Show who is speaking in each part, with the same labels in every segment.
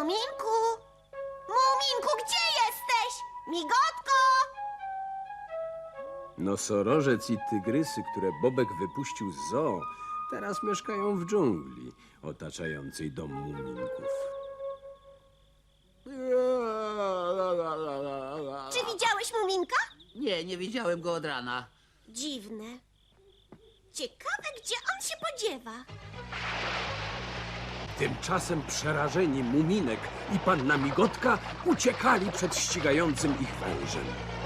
Speaker 1: Muminku! Muminku, gdzie jesteś? Migotko!
Speaker 2: Nosorożec i tygrysy, które Bobek wypuścił z zoo, teraz mieszkają w dżungli otaczającej dom muminków.
Speaker 1: Czy widziałeś Muminka?
Speaker 3: Nie, nie widziałem go od rana.
Speaker 1: Dziwne. Ciekawe, gdzie on się podziewa.
Speaker 2: Tymczasem przerażeni Muminek i panna Migotka uciekali przed ścigającym ich wężem.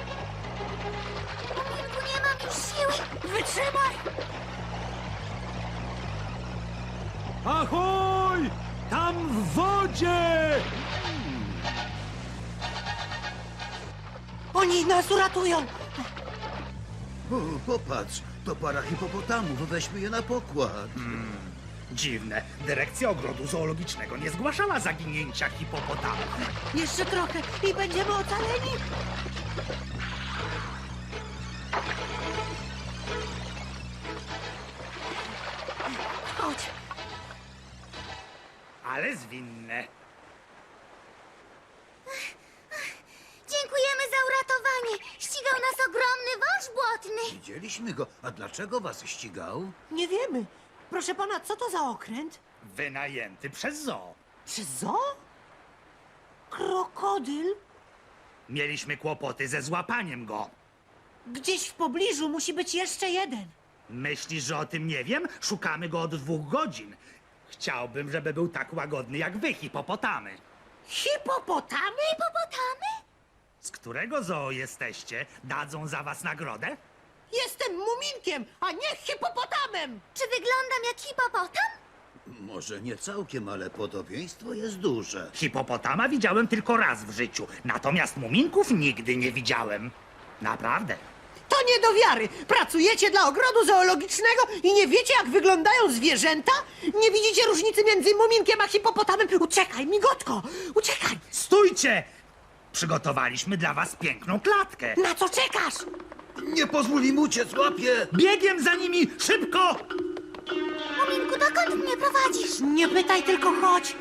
Speaker 1: Muminku, nie mam już siły. Wytrzymaj!
Speaker 2: Ahoj! Tam w wodzie!
Speaker 4: Oni nas uratują!
Speaker 5: O, popatrz, to para hipopotamów, weźmy je na pokład.
Speaker 6: Dziwne. Dyrekcja Ogrodu Zoologicznego nie zgłaszała zaginięcia hipopotamów.
Speaker 4: Jeszcze trochę i będziemy ocaleni! Chodź!
Speaker 6: Ale zwinne.
Speaker 1: Dziękujemy za uratowanie. Ścigał nas ogromny wąż błotny.
Speaker 5: Widzieliśmy go, a dlaczego was ścigał?
Speaker 4: Nie wiemy. Proszę pana, co to za okręt?
Speaker 6: Wynajęty przez zoo.
Speaker 4: Przez zoo? Krokodyl?
Speaker 6: Mieliśmy kłopoty ze złapaniem go.
Speaker 4: Gdzieś w pobliżu musi być jeszcze jeden.
Speaker 6: Myślisz, że o tym nie wiem? Szukamy go od 2 godzin. Chciałbym, żeby był tak łagodny jak wy, hipopotamy.
Speaker 4: Hipopotamy?
Speaker 1: Hipopotamy?
Speaker 6: Z którego zoo jesteście? Dadzą za was nagrodę?
Speaker 4: Jestem muminkiem, a nie hipopotamem!
Speaker 1: Czy wyglądam jak hipopotam?
Speaker 5: Może nie całkiem, ale podobieństwo jest duże.
Speaker 6: Hipopotama widziałem tylko raz w życiu, natomiast muminków nigdy nie widziałem. Naprawdę.
Speaker 4: To nie do wiary! Pracujecie dla ogrodu zoologicznego i nie wiecie, jak wyglądają zwierzęta? Nie widzicie różnicy między muminkiem a hipopotamem? Uciekaj, migotko! Uciekaj!
Speaker 6: Stójcie! Przygotowaliśmy dla was piękną klatkę.
Speaker 4: Na co czekasz?
Speaker 5: Nie pozwól im uciec, łapie!
Speaker 6: Biegiem za nimi! Szybko!
Speaker 1: Muminku, dokąd mnie prowadzisz?
Speaker 4: Nie pytaj, tylko chodź!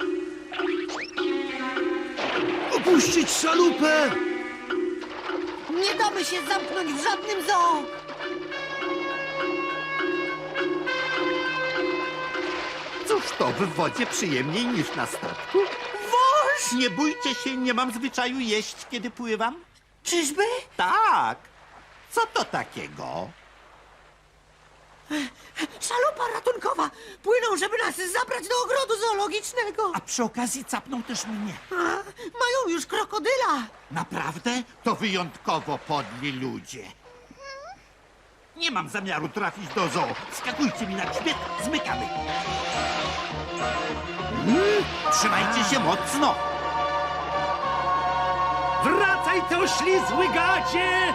Speaker 5: Opuścić szalupę!
Speaker 4: Nie damy się zamknąć w żadnym zoo!
Speaker 7: Cóż to, w wodzie przyjemniej niż na statku?
Speaker 4: Wąż!
Speaker 7: Nie bójcie się, nie mam zwyczaju jeść, kiedy pływam.
Speaker 4: Czyżby?
Speaker 7: Tak. Co to takiego?
Speaker 4: Szalupa ratunkowa! Płyną, żeby nas zabrać do ogrodu zoologicznego!
Speaker 7: A przy okazji capną też mnie.
Speaker 4: Mają już krokodyla!
Speaker 7: Naprawdę? To wyjątkowo podli ludzie. Nie mam zamiaru trafić do zoo. Skakujcie mi na grzbiet, zmykamy. Trzymajcie się mocno.
Speaker 6: Wracaj, ty oślizły gacie!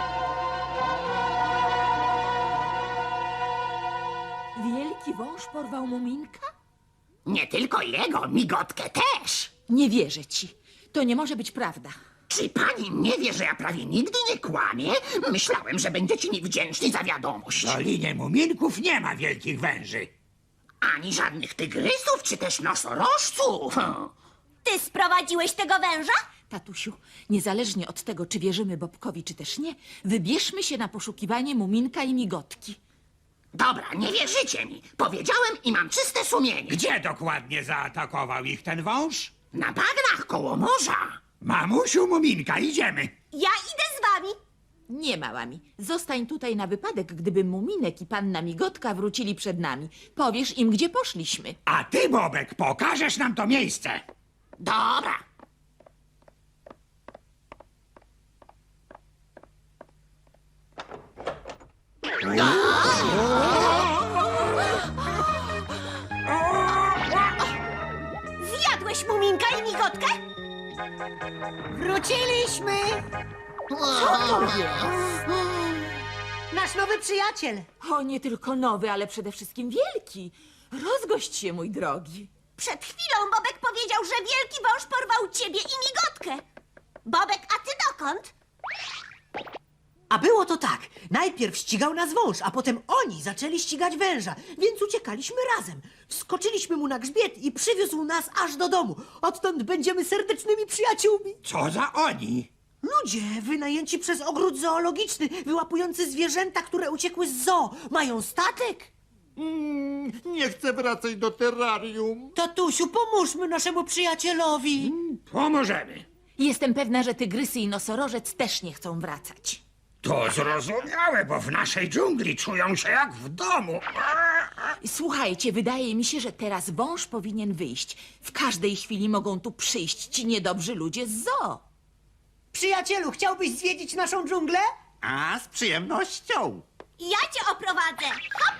Speaker 8: Wielki wąż porwał Muminka?
Speaker 3: Nie tylko jego, migotkę też.
Speaker 8: Nie wierzę ci. To nie może być prawda.
Speaker 3: Czy pani nie wie, że ja prawie nigdy nie kłamię? Myślałem, że będziecie mi wdzięczni za wiadomość.
Speaker 6: W Dolinie Muminków nie ma wielkich węży.
Speaker 3: Ani żadnych tygrysów, czy też nosorożców.
Speaker 1: Ty sprowadziłeś tego węża?
Speaker 8: Tatusiu, niezależnie od tego, czy wierzymy Bobkowi, czy też nie, wybierzmy się na poszukiwanie Muminka i Migotki.
Speaker 3: Dobra, nie wierzycie mi. Powiedziałem i mam czyste sumienie.
Speaker 6: Gdzie dokładnie zaatakował ich ten wąż?
Speaker 3: Na bagnach koło morza.
Speaker 6: Mamusiu Muminka, idziemy.
Speaker 1: Ja idę z wami.
Speaker 8: Nie, małami. Zostań tutaj na wypadek, gdyby Muminek i panna Migotka wrócili przed nami. Powiesz im, gdzie poszliśmy.
Speaker 6: A ty, Bobek, pokażesz nam to miejsce.
Speaker 3: Dobra.
Speaker 1: Zjadłeś Muminka i Migotkę?
Speaker 4: Wróciliśmy! Nasz nowy przyjaciel!
Speaker 8: O, nie tylko nowy, ale przede wszystkim wielki. Rozgość się, mój drogi.
Speaker 1: Przed chwilą Bobek powiedział, że wielki wąż porwał ciebie i Migotkę. Bobek, a ty dokąd?
Speaker 4: A było to tak. Najpierw ścigał nas wąż, a potem oni zaczęli ścigać węża, więc uciekaliśmy razem. Wskoczyliśmy mu na grzbiet i przywiózł nas aż do domu. Odtąd będziemy serdecznymi przyjaciółmi.
Speaker 7: Co za oni?
Speaker 4: Ludzie wynajęci przez ogród zoologiczny, wyłapujący zwierzęta, które uciekły z zoo. Mają statek.
Speaker 7: Nie chcę wracać do terrarium.
Speaker 4: Tatusiu, pomóżmy naszemu przyjacielowi.
Speaker 7: Pomożemy.
Speaker 8: Jestem pewna, że tygrysy i nosorożec też nie chcą wracać.
Speaker 7: To zrozumiałe, bo w naszej dżungli czują się jak w domu.
Speaker 8: Słuchajcie, wydaje mi się, że teraz wąż powinien wyjść. W każdej chwili mogą tu przyjść ci niedobrzy ludzie z zoo.
Speaker 4: Przyjacielu, chciałbyś zwiedzić naszą dżunglę?
Speaker 7: A, z przyjemnością.
Speaker 1: Ja cię oprowadzę. Hop!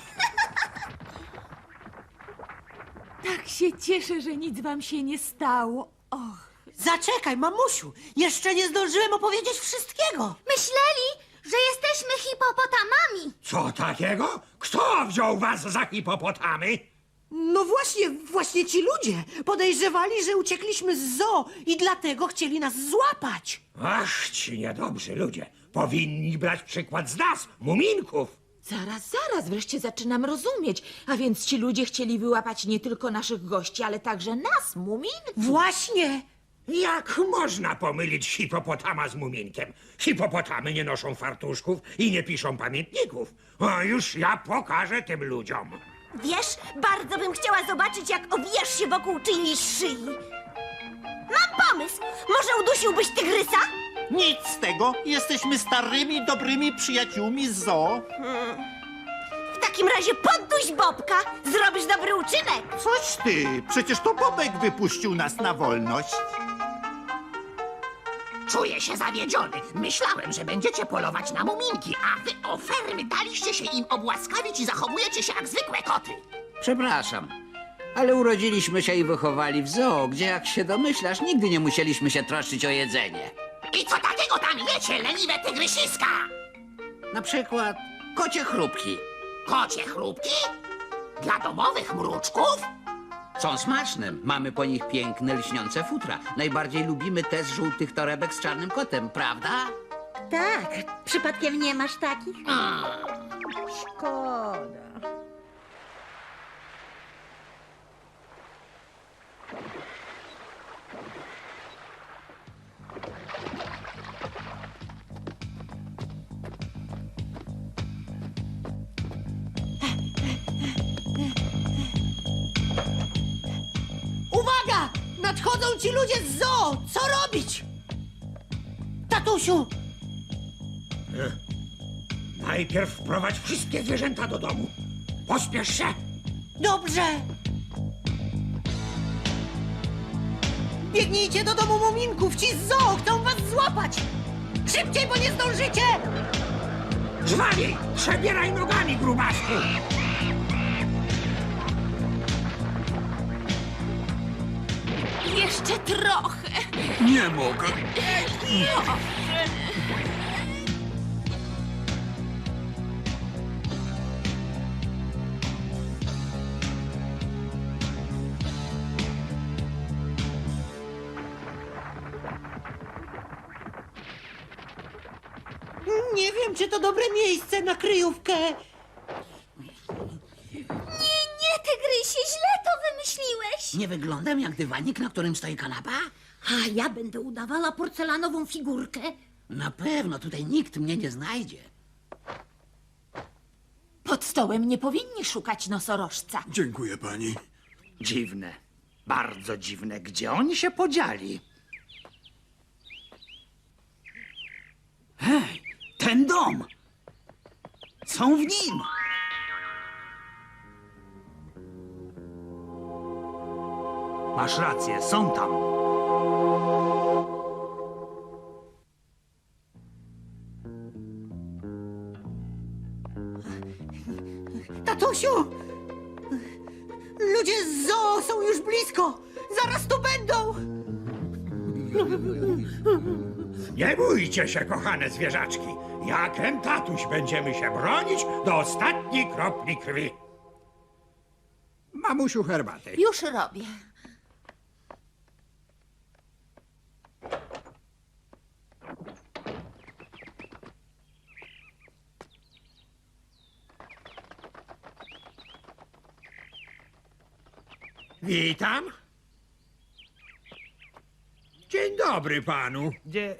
Speaker 8: Tak się cieszę, że nic wam się nie stało. Och.
Speaker 4: Zaczekaj, mamusiu, jeszcze nie zdążyłem opowiedzieć wszystkiego.
Speaker 1: Myśleli, że jesteśmy hipopotamami.
Speaker 7: Co takiego? Kto wziął was za hipopotamy?
Speaker 4: No właśnie ci ludzie podejrzewali, że uciekliśmy z zoo i dlatego chcieli nas złapać.
Speaker 7: Ach, ci niedobrzy ludzie. Powinni brać przykład z nas, muminków.
Speaker 8: Zaraz, wreszcie zaczynam rozumieć. A więc ci ludzie chcieli wyłapać nie tylko naszych gości, ale także nas, muminków.
Speaker 4: Właśnie.
Speaker 7: Jak można pomylić hipopotama z muminkiem? Hipopotamy nie noszą fartuszków i nie piszą pamiętników. O, już ja pokażę tym ludziom.
Speaker 1: Wiesz, bardzo bym chciała zobaczyć, jak owijasz się wokół czyjejś szyi. Mam pomysł. Może udusiłbyś tygrysa?
Speaker 9: Nic z tego. Jesteśmy starymi, dobrymi przyjaciółmi z zoo.
Speaker 1: W takim razie podduś Bobka. Zrobisz dobry uczynek.
Speaker 9: Coś ty. Przecież to Bobek wypuścił nas na wolność.
Speaker 3: Czuję się zawiedziony. Myślałem, że będziecie polować na muminki, a wy ofermy daliście się im obłaskawić i zachowujecie się jak zwykłe koty.
Speaker 10: Przepraszam, ale urodziliśmy się i wychowali w zoo, gdzie jak się domyślasz, nigdy nie musieliśmy się troszczyć o jedzenie.
Speaker 3: I co takiego tam jecie, leniwe tygrysiska?
Speaker 10: Na przykład kocie chrupki.
Speaker 3: Kocie chrupki? Dla domowych mruczków?
Speaker 10: Są smaczne, mamy po nich piękne, lśniące futra. Najbardziej lubimy te z żółtych torebek z czarnym kotem, prawda?
Speaker 1: Tak, przypadkiem nie masz takich?
Speaker 4: Szkoda. Uwaga! Nadchodzą ci ludzie z zoo! Co robić? Tatusiu!
Speaker 7: Najpierw wprowadź wszystkie zwierzęta do domu. Pospiesz się.
Speaker 4: Dobrze! Biegnijcie do domu muminków! Ci z zoo chcą was złapać! Szybciej, bo nie zdążycie!
Speaker 7: Żwawiej, przebieraj nogami, grubasku.
Speaker 8: Jeszcze trochę.
Speaker 7: Nie mogę.
Speaker 4: Nie wiem, czy to dobre miejsce na kryjówkę.
Speaker 1: Nie, tygrysie, źle to wymyśliłeś.
Speaker 10: Nie wyglądam jak dywanik, na którym stoi kanapa?
Speaker 1: A ja będę udawała porcelanową figurkę.
Speaker 10: Na pewno, tutaj nikt mnie nie znajdzie.
Speaker 8: Pod stołem nie powinni szukać nosorożca.
Speaker 5: Dziękuję pani.
Speaker 6: Dziwne, bardzo dziwne. Gdzie oni się podzieli? Hej, ten dom! Są w nim! Masz rację, są tam.
Speaker 4: Tatusiu! Ludzie z zoo są już blisko! Zaraz tu będą!
Speaker 7: Nie bójcie się, kochane zwierzaczki. Jak tatuś będziemy się bronić do ostatniej kropli krwi. Mamusiu, herbaty.
Speaker 8: Już robię.
Speaker 7: Witam. Dzień dobry panu.
Speaker 6: Gdzie...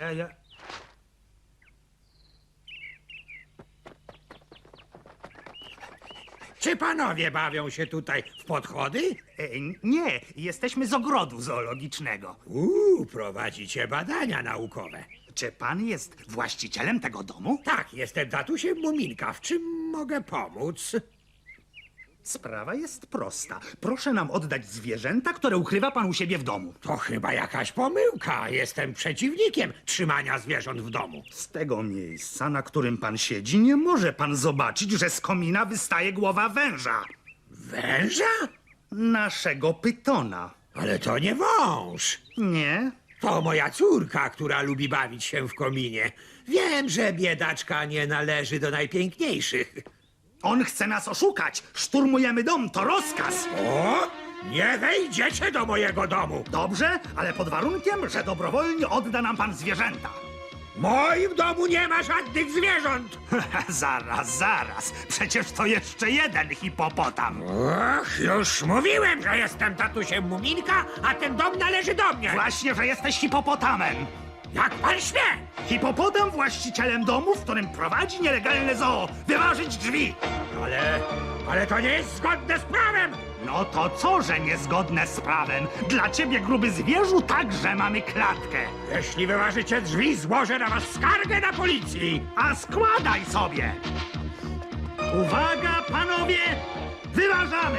Speaker 7: Czy panowie bawią się tutaj w podchody?
Speaker 6: Nie, jesteśmy z ogrodu zoologicznego.
Speaker 7: Prowadzicie badania naukowe.
Speaker 6: Czy pan jest właścicielem tego domu?
Speaker 7: Tak, jestem tatusiem Muminka. W czym mogę pomóc?
Speaker 6: Sprawa jest prosta. Proszę nam oddać zwierzęta, które ukrywa pan u siebie w domu.
Speaker 7: To chyba jakaś pomyłka. Jestem przeciwnikiem trzymania zwierząt w domu.
Speaker 6: Z tego miejsca, na którym pan siedzi, nie może pan zobaczyć, że z komina wystaje głowa węża.
Speaker 7: Węża?
Speaker 6: Naszego pytona.
Speaker 7: Ale to nie wąż.
Speaker 6: Nie?
Speaker 7: To moja córka, która lubi bawić się w kominie. Wiem, że biedaczka nie należy do najpiękniejszych.
Speaker 6: On chce nas oszukać. Szturmujemy dom, to rozkaz.
Speaker 7: O! Nie wejdziecie do mojego domu!
Speaker 6: Dobrze, ale pod warunkiem, że dobrowolnie odda nam pan zwierzęta.
Speaker 7: W moim domu nie ma żadnych zwierząt!
Speaker 6: Zaraz. Przecież to jeszcze jeden hipopotam.
Speaker 7: Och, już mówiłem, że jestem tatusiem Muminka, a ten dom należy do mnie!
Speaker 6: Właśnie, że jesteś hipopotamem.
Speaker 7: Jak pan śmie!
Speaker 6: Hipopotam właścicielem domu, w którym prowadzi nielegalne zoo. Wyważyć drzwi.
Speaker 7: Ale to nie jest zgodne z prawem!
Speaker 6: No to co, że niezgodne z prawem? Dla ciebie, gruby zwierzu, także mamy klatkę.
Speaker 7: Jeśli wyważycie drzwi, złożę na was skargę na policji!
Speaker 6: A składaj sobie! Uwaga, panowie! Wyważamy!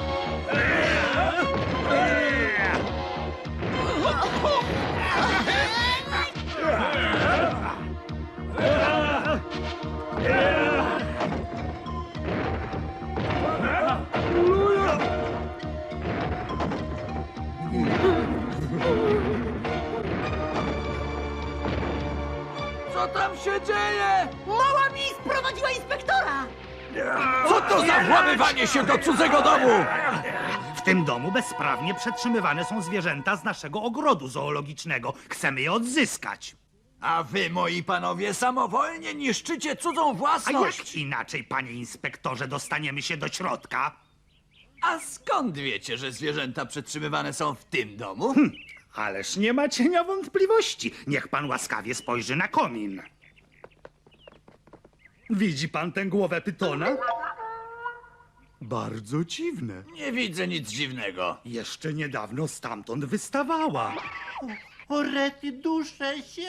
Speaker 10: Co tam się dzieje?
Speaker 4: Mała mi sprowadziła inspektora!
Speaker 10: Co to za włamywanie się do cudzego domu?
Speaker 6: W tym domu bezprawnie przetrzymywane są zwierzęta z naszego ogrodu zoologicznego. Chcemy je odzyskać.
Speaker 9: A wy, moi panowie, samowolnie niszczycie cudzą
Speaker 6: A
Speaker 9: własność.
Speaker 6: jak inaczej, panie inspektorze, dostaniemy się do środka?
Speaker 9: A skąd wiecie, że zwierzęta przetrzymywane są w tym domu?
Speaker 6: Ależ nie ma cienia wątpliwości. Niech pan łaskawie spojrzy na komin. Widzi pan tę głowę pytona? Bardzo dziwne.
Speaker 9: Nie widzę nic dziwnego.
Speaker 6: Jeszcze niedawno stamtąd wystawała.
Speaker 9: O rety, duszę się.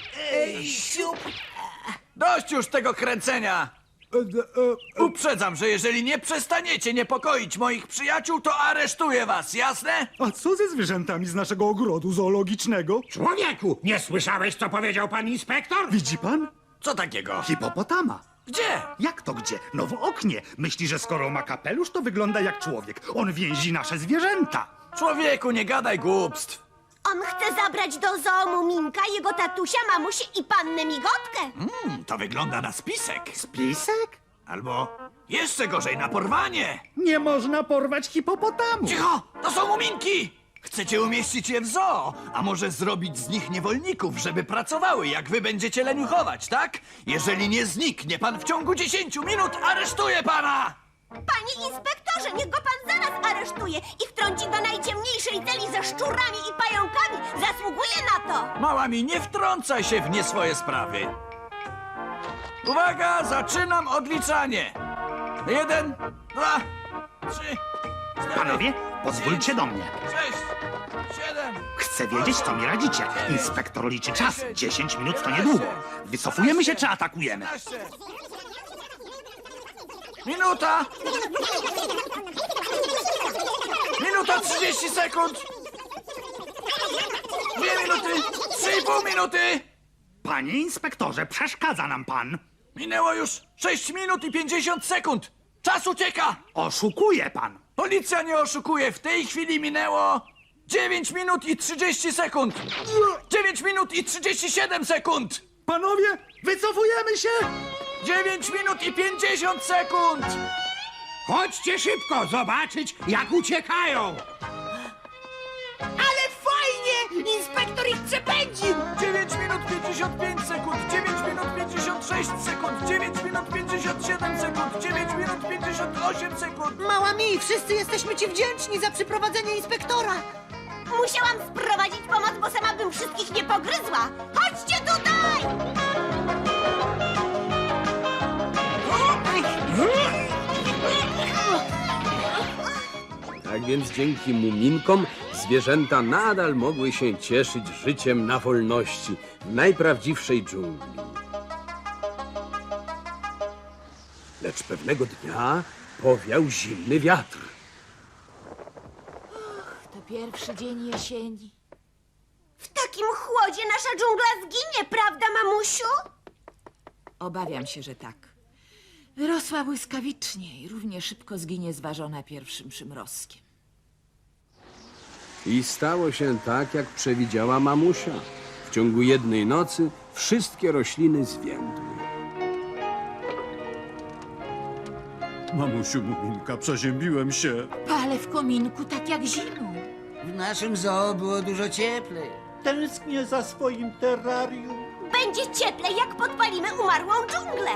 Speaker 9: Dość już tego kręcenia! Uprzedzam, że jeżeli nie przestaniecie niepokoić moich przyjaciół, to aresztuję was, jasne?
Speaker 6: A co ze zwierzętami z naszego ogrodu zoologicznego?
Speaker 7: Człowieku, nie słyszałeś, co powiedział pan inspektor?
Speaker 6: Widzi pan?
Speaker 9: Co takiego?
Speaker 6: Hipopotama.
Speaker 9: Gdzie?
Speaker 6: Jak to gdzie? No w oknie. Myśli, że skoro ma kapelusz, to wygląda jak człowiek. On więzi nasze zwierzęta.
Speaker 9: Człowieku, nie gadaj głupstw.
Speaker 1: On chce zabrać do zoo Muminka, jego tatusia, mamusię i pannę Migotkę.
Speaker 9: To wygląda na spisek.
Speaker 6: Spisek?
Speaker 9: Albo jeszcze gorzej, na porwanie.
Speaker 6: Nie można porwać hipopotamu.
Speaker 9: Cicho! To są muminki! Chcecie umieścić je w zoo, a może zrobić z nich niewolników, żeby pracowały, jak wy będziecie leniuchować, tak? Jeżeli nie zniknie pan w ciągu 10 minut, aresztuję pana!
Speaker 1: Panie inspektorze, niech go pan zaraz aresztuje i wtrąci do najciemniejszej celi ze szczurami i pająkami. Zasługuje na to.
Speaker 9: Mała mi, nie wtrącaj się w nie swoje sprawy. Uwaga, zaczynam odliczanie. 1, 2, 3, 4,
Speaker 6: Panowie, pozwólcie do mnie.
Speaker 9: 6, 7.
Speaker 6: Chcę wiedzieć, co mi radzicie. Inspektor liczy czas. 10 minut to niedługo. Wycofujemy się czy atakujemy?
Speaker 9: 15. Minuta! Minuta 30 sekund! 2 minuty! 3,5 minuty!
Speaker 6: Panie inspektorze, przeszkadza nam pan.
Speaker 9: Minęło już 6 minut i 50 sekund! Czas ucieka!
Speaker 6: Oszukuje pan.
Speaker 9: Policja nie oszukuje, w tej chwili minęło 9 minut i 30 sekund! 9 minut i 37 sekund!
Speaker 6: Panowie, wycofujemy się!
Speaker 9: 9 minut i 50 sekund!
Speaker 7: Chodźcie szybko zobaczyć, jak uciekają!
Speaker 4: Ale fajnie! Inspektor ich przepędził!
Speaker 9: 9 minut 55 sekund, 9 minut 56 sekund, 9 minut 57 sekund, 9 minut 58 58 sekund.
Speaker 4: Mała mi, wszyscy jesteśmy ci wdzięczni za przyprowadzenie inspektora.
Speaker 1: Musiałam sprowadzić pomoc, bo sama bym wszystkich nie pogryzła. Chodźcie tutaj!
Speaker 2: Tak więc dzięki muminkom zwierzęta nadal mogły się cieszyć życiem na wolności w najprawdziwszej dżungli. Lecz pewnego dnia powiał zimny wiatr.
Speaker 8: To pierwszy dzień jesieni.
Speaker 1: W takim chłodzie nasza dżungla zginie, prawda, mamusiu?
Speaker 8: Obawiam się, że tak. Wyrosła błyskawicznie i równie szybko zginie zważona pierwszym przymrozkiem.
Speaker 2: I stało się tak, jak przewidziała mamusia. W ciągu jednej nocy wszystkie rośliny zwiędły.
Speaker 5: Mamusiu Muminka, przeziębiłem się.
Speaker 8: Palę w kominku tak jak zimą.
Speaker 10: W naszym zoo było dużo cieplej.
Speaker 6: Tęsknię za swoim terrarium.
Speaker 1: Będzie cieplej, jak podpalimy umarłą dżunglę.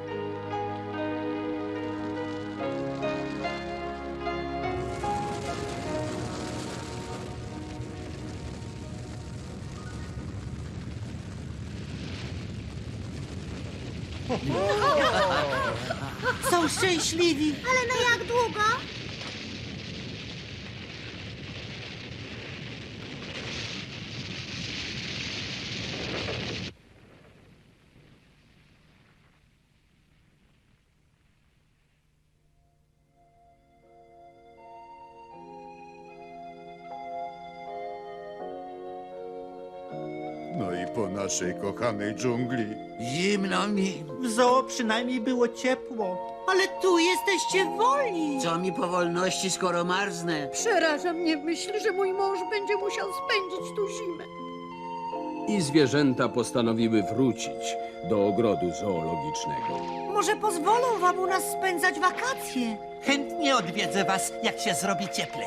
Speaker 4: Są szczęśliwi.
Speaker 1: Ale na jak długo?
Speaker 5: No i po naszej kochanej dżungli.
Speaker 10: Zimno mi.
Speaker 6: W zoo przynajmniej było ciepło.
Speaker 4: Ale tu jesteście wolni.
Speaker 10: Co mi po wolności, skoro marznę?
Speaker 4: Przeraża mnie myśl, że mój mąż będzie musiał spędzić tu zimę.
Speaker 2: I zwierzęta postanowiły wrócić do ogrodu zoologicznego.
Speaker 4: Może pozwolą wam u nas spędzać wakacje.
Speaker 6: Chętnie odwiedzę was, jak się zrobi cieplej.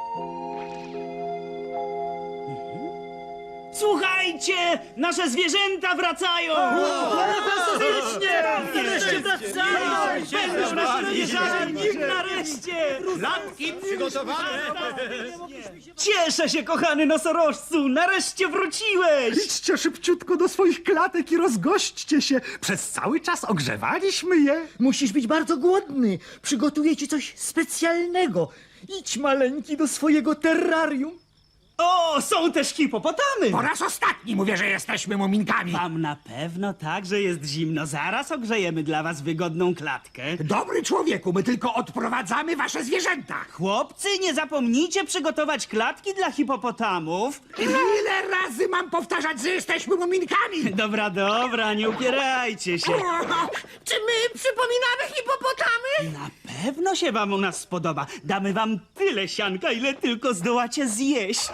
Speaker 11: Słuchajcie! Nasze zwierzęta wracają! Fantastycznie! Nareszcie wracają! Będą nasi zwierzęta! Nareszcie!
Speaker 6: Lampki przygotowane!
Speaker 11: Cieszę się, kochany nosorożcu! Nareszcie wróciłeś!
Speaker 6: Idźcie szybciutko do swoich klatek i rozgośćcie się. Przez cały czas ogrzewaliśmy je.
Speaker 11: Musisz być bardzo głodny. Przygotuję ci coś specjalnego. Idź, maleńki, do swojego terrarium. O, są też hipopotamy!
Speaker 3: Po raz ostatni mówię, że jesteśmy muminkami.
Speaker 11: Wam na pewno tak, że jest zimno. Zaraz ogrzejemy dla was wygodną klatkę.
Speaker 3: Dobry człowieku, my tylko odprowadzamy wasze zwierzęta.
Speaker 11: Chłopcy, nie zapomnijcie przygotować klatki dla hipopotamów.
Speaker 3: Ile razy mam powtarzać, że jesteśmy muminkami?
Speaker 11: Dobra, dobra, nie upierajcie się.
Speaker 4: Czy my przypominamy hipopotamy?
Speaker 11: Na pewno się wam u nas spodoba. Damy wam tyle sianka, ile tylko zdołacie zjeść.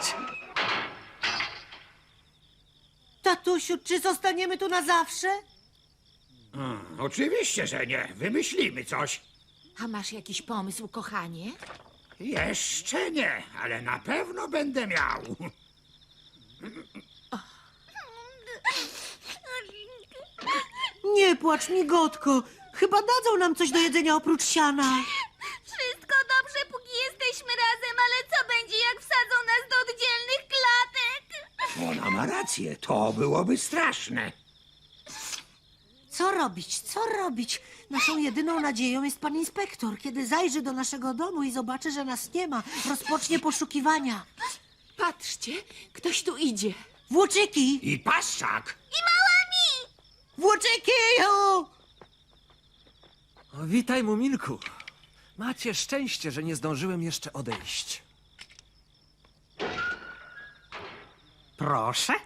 Speaker 4: Tatusiu, czy zostaniemy tu na zawsze?
Speaker 7: Oczywiście, że nie. Wymyślimy coś.
Speaker 8: A masz jakiś pomysł, kochanie?
Speaker 7: Jeszcze nie, ale na pewno będę miał.
Speaker 4: Nie płacz, migotko. Chyba dadzą nam coś do jedzenia oprócz siana.
Speaker 1: Wszystko dobrze, póki jesteśmy razem, ale co będzie, jak wsadzą nas do oddzielnych klatek?
Speaker 7: Ona ma rację, to byłoby straszne.
Speaker 4: Co robić, co robić? Naszą jedyną nadzieją jest pan inspektor. Kiedy zajrzy do naszego domu i zobaczy, że nas nie ma, rozpocznie poszukiwania.
Speaker 8: Patrzcie, ktoś tu idzie.
Speaker 4: Włóczyki!
Speaker 7: I paszczak.
Speaker 4: Włóczyki!
Speaker 12: O, witaj, Muminku. Macie szczęście, że nie zdążyłem jeszcze odejść.
Speaker 11: Proszę.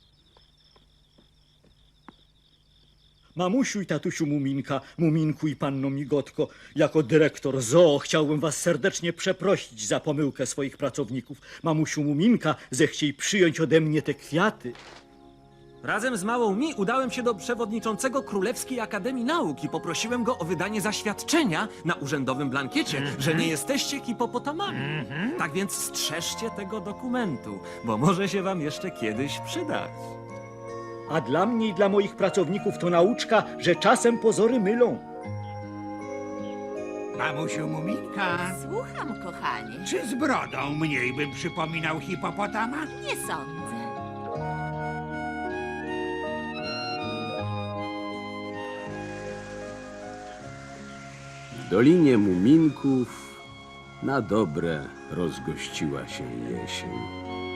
Speaker 11: Mamusiu i tatusiu Muminka, Muminku i panno Migotko, jako dyrektor zoo chciałbym was serdecznie przeprosić za pomyłkę swoich pracowników. Mamusiu Muminka, zechciej przyjąć ode mnie te kwiaty.
Speaker 12: Razem z małą Mi udałem się do przewodniczącego Królewskiej Akademii Nauk i poprosiłem go o wydanie zaświadczenia na urzędowym blankiecie, że nie jesteście hipopotamami. Tak więc strzeżcie tego dokumentu, bo może się wam jeszcze kiedyś przydać.
Speaker 11: A dla mnie i dla moich pracowników to nauczka, że czasem pozory mylą.
Speaker 7: Mamusiu Muminka,
Speaker 8: Słucham, kochanie.
Speaker 7: czy z brodą mniej bym przypominał hipopotama?
Speaker 8: Nie sądzę.
Speaker 2: W Dolinie Muminków na dobre rozgościła się jesień.